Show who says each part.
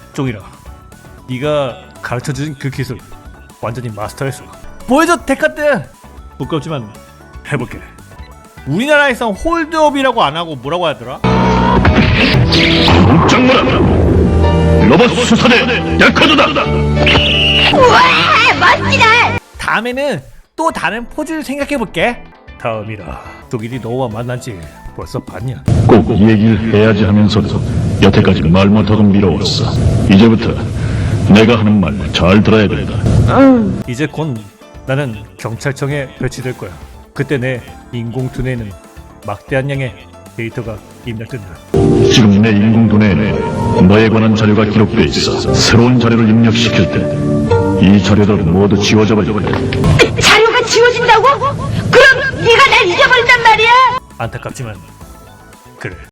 Speaker 1: 종이라, 네가 가르쳐준 그 기술 완전히 마스터했어. 보여줘 데카트. 부끄럽지만 해볼게. 우리나라에선 홀드업이라고 안 하고 뭐라고 하더라?
Speaker 2: 장문아, 로봇 수사대 데카드다.
Speaker 3: 우와 멋지다.
Speaker 1: 다음에는 또 다른 포즈를 생각해볼게. 다음이라. 독일이 너와 만난 지 벌써 반년.
Speaker 2: 꼭 얘기를 해야지 하면서도 여태까지 말 못하고 미뤄왔어. 이제부터 내가 하는 말 잘 들어야 된다.
Speaker 1: 이제 곧 나는 경찰청에 배치될 거야. 그때 내 인공두뇌에는 막대한 양의 데이터가 입력된다.
Speaker 2: 지금 내 인공두뇌에 너에 관한 자료가 기록돼 있어. 새로운 자료를 입력시킬 때 이 자료들 모두 지워져 버릴 거야.
Speaker 3: 자료가 지워진다고? 그럼 네가 날 잊어버린단 말이야?
Speaker 1: 안타깝지만 그래.